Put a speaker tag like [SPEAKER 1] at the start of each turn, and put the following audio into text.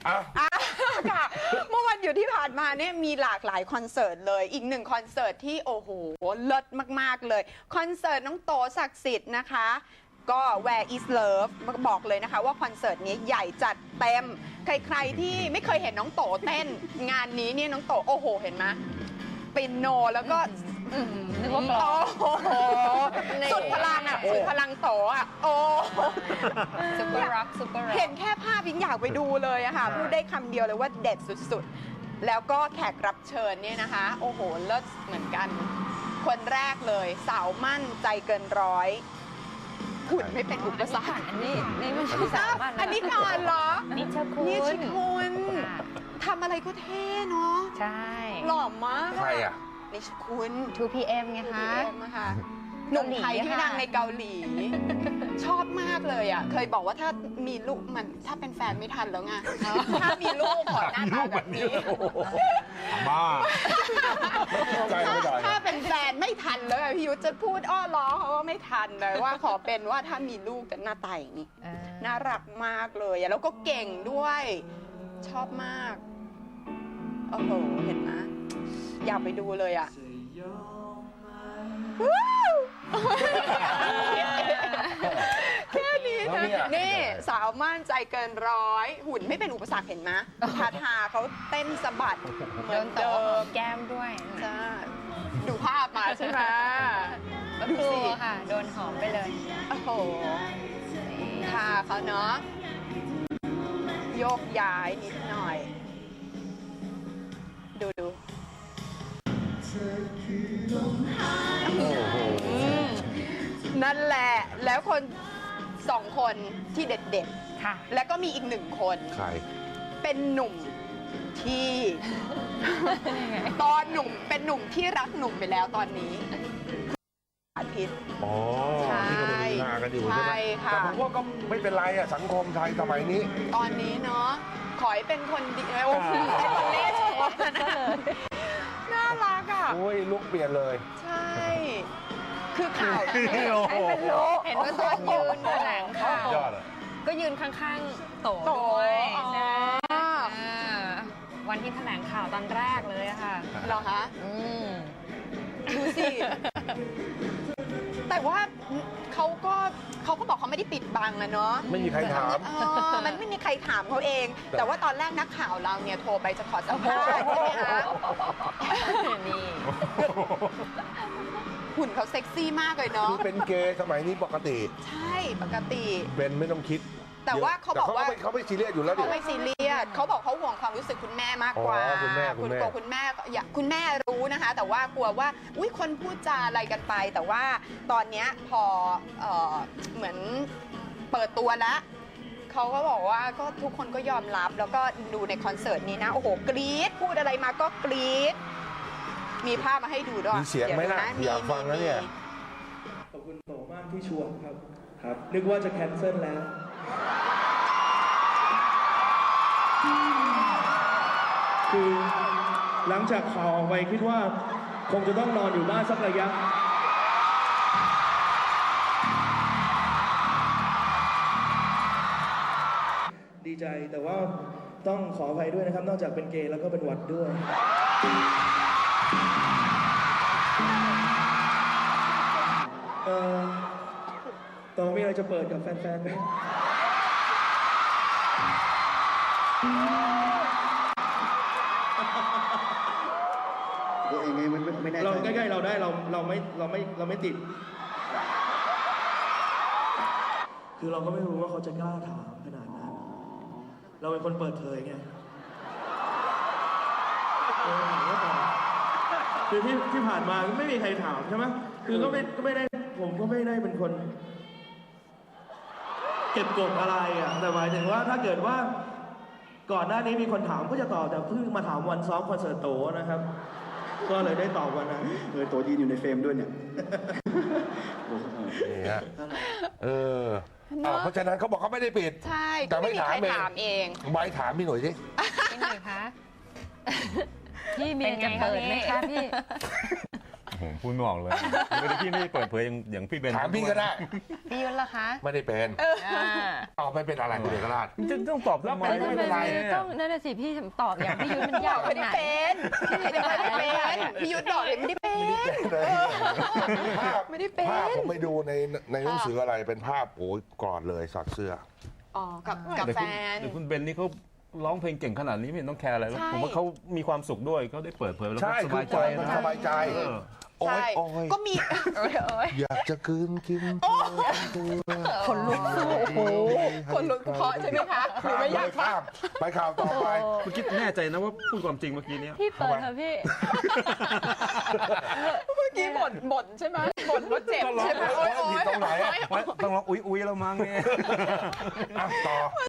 [SPEAKER 1] ค่ะเมื่อวันหยุดที่ผ่านมาเนี่ยมีหลากหลายคอนเสิร์ตเลยอีกหนึ่งคอนเสิร์ตที่โอ้โหเลิศมากๆเลยคอนเสิร์ตน้องโตศักดิ์สิทธิ์นะคะก็ Where is Love บอกเลยนะคะว่าคอนเสิร์ตนี้ใหญ่จัดเต็มใครๆที่ไม่เคยเห็นน้องโตเต้นงานนี้เนี่ยน้องโตโอ้โหเห็นไหมปินโนแล้วก็
[SPEAKER 2] นึกว่ากลอง
[SPEAKER 1] สุดพลังอ่ะสุดพลังโตอ่ะโอ้
[SPEAKER 2] ซุปเปอร์ร็อกซุปเปอร์ร็อก
[SPEAKER 1] เห็นแค่ภาพยิ่งอยากไปดูเลยอะค่ะพูดได้คำเดียวเลยว่าเด็ดสุดๆแล้วก็แขกรับเชิญเนี่ยนะคะโอ้โหเลิศเหมือนกันคนแรกเลยสาวมั่นใจเกินร้อยหุ่นไม่เป็นอุปสรรค
[SPEAKER 2] อันนี้ไม่ใช่สาวมั่น
[SPEAKER 1] อันนี้ก่อนเหรอ
[SPEAKER 2] นิชคุณ
[SPEAKER 1] นิชคุณทำอะไรก็เท่เนาะ
[SPEAKER 2] ใช่
[SPEAKER 1] หล่อมาก
[SPEAKER 3] ใครอ่ะ
[SPEAKER 1] นิชคุณ
[SPEAKER 2] 2PM ไงคะ
[SPEAKER 1] 2PM ค่ะหนุ่มไทยที่ดังในเกาหลีชอบมากเลยอ่ะเคยบอกว่าถ้ามีลูกมันถ้าเป็นแฟนไม่ทันแล้วไงถ้ามีลูกขอหน้าตาแบบนี้
[SPEAKER 3] บ้าใจไม่ได้
[SPEAKER 1] ถ้าเป็นแฟนไม่ทันเลยพี่ยุทธจะพูดอ้อล้อเขาว่าไม่ทันเลยว่าขอเป็นว่าถ้ามีลูกจะหน้าตาอย่างนี้น่ารักมากเลยแล้วก็เก่งด้วยชอบมากโอ้โหเห็นไหมอยากไปดูเลยอ่ะแค่นี้นะนี่สาวมั่นใจเกินร้อยหุ่นไม่เป็นอุปสรรคเห็นไหมทาเขาเต้นสะบัดเหมือนเดิม
[SPEAKER 2] แก้มด้วย
[SPEAKER 1] จ้าดูภาพมาใช่ไหม
[SPEAKER 2] ดูสิค่ะโดนหอมไปเลย
[SPEAKER 1] โอ้โหทาเขาเนาะโยกย้ายนิดหน่อยดูนั่นแหละแล้วคนสองคนที่เด็ดๆค่ะแล้วก็มีอีกหนึ่งคน
[SPEAKER 3] ใคร
[SPEAKER 1] เป็นหนุ่มที่ตอนหนุ่มเป็นหนุ่มที่รักหนุ่มไปแล้วตอนนี้อาทิตย์
[SPEAKER 3] อ๋อที่กำลังงานกันอยู่ใช่ไหมแต่ผมว่าก็ไม่เป็นไรอะสังคมไทยสมัยนี้
[SPEAKER 1] ตอนนี้เนาะขอให้เป็นคนดีโอ้โหเป็นคนเล่ชอบน่ารักอ่ะ
[SPEAKER 3] โอ้ยลุกเปลี่ยนเลย
[SPEAKER 1] ใช่คือข่าว
[SPEAKER 2] ให้เป็นโลเห็นว่าตอนยืนแถลงข่าวก็ยืนข้างๆโตด้วยวันที่แถลงข่าวตอนแรกเลยค่ะ
[SPEAKER 1] เหรอคะดูสิแต่ว่าเขาก็บอกเขาไม่ได้ปิดบังนะเนาะ
[SPEAKER 3] ไม่มีใครถาม
[SPEAKER 1] มันไม่มีใครถามเขาเองแต่ว่าตอนแรกนักข่าวเราเนี่ยโทรไปจะขอสัมภาษณ์ใช่ไหมคะ
[SPEAKER 2] นี่
[SPEAKER 1] หุ่นเขาเซ็กซี่มากเลยเนาะ
[SPEAKER 3] คือเป็นเกย์สมัยนี้ปกติ
[SPEAKER 1] ใช่ปกติ
[SPEAKER 3] เป็นไม่ต้องคิด
[SPEAKER 1] แต่ว่าเขาบอกว่า
[SPEAKER 3] เขาไม่ซีเรียสอยู่แล้ว
[SPEAKER 1] เขาไม่ซีเรียสเขาบอกเขาห่วงความรู้สึกคุณแม่มากกว่า
[SPEAKER 3] คุณแม่
[SPEAKER 1] คุณแม่อยากคุณแม่รู้นะคะแต่ว่ากลัวว่าอุ้ยคนพูดจาอะไรกันไปแต่ว่าตอนนี้พอเหมือนเปิดตัวแล้วเขาก็บอกว่าก็ทุกคนก็ยอมรับแล้วก็ดูในคอนเสิร์ตนี้นะโอ้โหกรี๊ดพูดอะไรมาก็กรี๊ดมีภาพมาให้ดูด้วย
[SPEAKER 3] มีเสียงไหมล่ะอยากฟังนะเนี่ย
[SPEAKER 4] ขอบคุณโตมากที่ชวนครับนึกว่าจะแคนเซิลแล้วคือหลังจากข่าวออกไปคิดว่าคงจะต้องนอนอยู่บ้านสักระยะดีใจแต่ว่าต้องขออภัยด้วยนะครับนอกจากเป็นเกย์แล้วก็เป็นหวัดด้วยต่อมีอะไรจะเปิดกับแฟนๆไหม
[SPEAKER 5] ยังไงมันไม่แน่ใจ
[SPEAKER 4] เราใกล้ๆเราได้เราไม่ติดคือเราก็ไม่รู้ว่าเขาจะกล้าถามขนาดนั้นเราเป็นคนเปิดเผยไงคือที่ผ่านมาไม่มีใครถามใช่ไหมคือก็ไม่ได้ผมก็ไม่ได้เป็นคนเก็บกดอะไรอ่ะแต่หมายถึงว่าถ้าเกิดว่าก่อนหน้านี้มีคนถามก็จะตอบแต่เพิ่งมาถามวันซ้อมคอนเสิร์ตโตนะครับก็เลยได้ตอบวันนั้น
[SPEAKER 5] โตยืนอยู่ในเฟรมด้วยเนี่ย
[SPEAKER 3] เพราะฉะนั้นเขาบอกเขาไม่ได้ปิด
[SPEAKER 1] ใช่แต่ไม่มีใครถามเอง
[SPEAKER 3] ใบถามพี่หน่อยสิ
[SPEAKER 2] พี่หน่อยคะพี่มีจะเปิดไหมคะพี่
[SPEAKER 6] ผมพูดไม่ออกเลยไม่ได้พี่ไม่ได้เปิดเผยอย่างพี่เบน
[SPEAKER 3] ถามพี่ก็ได้
[SPEAKER 2] พี่ยุทธล่ะคะ
[SPEAKER 3] ไม่ได้เป็น
[SPEAKER 2] อ่า
[SPEAKER 3] ตอบไม่เป็นอะไรคุณเอกราช
[SPEAKER 6] จะต้องตอบทำไม
[SPEAKER 3] แล้วไม่เป็นไร
[SPEAKER 2] ต้องนั่นน่ะสิพี่ตอบอย่างพี่ยุทธมันยาก
[SPEAKER 1] ไม่ได้เป็นพี่ยุทธไม่ได้เป็นพี่ยุทธบอกเลยไม่ได้เป็น
[SPEAKER 3] ภาพ
[SPEAKER 1] ไม่ได้เป็น
[SPEAKER 3] ภาพผมไปดูในหนังสืออะไรเป็นภาพโอ้ยกอดเลยสักเสื้อ
[SPEAKER 1] อ๋อกับแฟน
[SPEAKER 6] แต่คุณเบนนี่เขาร้องเพลงเก่งขนาดนี้ไม่เห็นต้องแคร์อะไรแล้ว
[SPEAKER 1] ใช่
[SPEAKER 6] ผมว่าเขามีความสุขด้วยเขาได้เปิดเผยแล้ว
[SPEAKER 3] ใช่
[SPEAKER 6] ก็สบายใจ
[SPEAKER 3] คือ
[SPEAKER 6] นะ
[SPEAKER 3] สบายใจ
[SPEAKER 6] เออ
[SPEAKER 3] โอ้
[SPEAKER 1] ใช่
[SPEAKER 3] ยโอ้ย
[SPEAKER 1] ก็มี
[SPEAKER 3] อยากจะคืนกินตัว
[SPEAKER 1] คนลุกสู้โอ้โหคนลุกเพราะใช่ไหมคะหรือไม่อยากฟัง
[SPEAKER 3] ไปข่าวต่อไป
[SPEAKER 6] เมื่อกี้แน่ใจนะว่าพูดความจริงเมื่อกี้เนี้ย
[SPEAKER 2] พี่เปิดเถอะพี่
[SPEAKER 1] เมื่อกี้บ่นใช่ไหมบ่นว่าเจ็บใช่ไหม
[SPEAKER 3] โอ้ยผิดตรงไหนอะ
[SPEAKER 6] ต้องร้องอุ้ยแล้วมั้งเนี่ย
[SPEAKER 3] อ่ะต่อ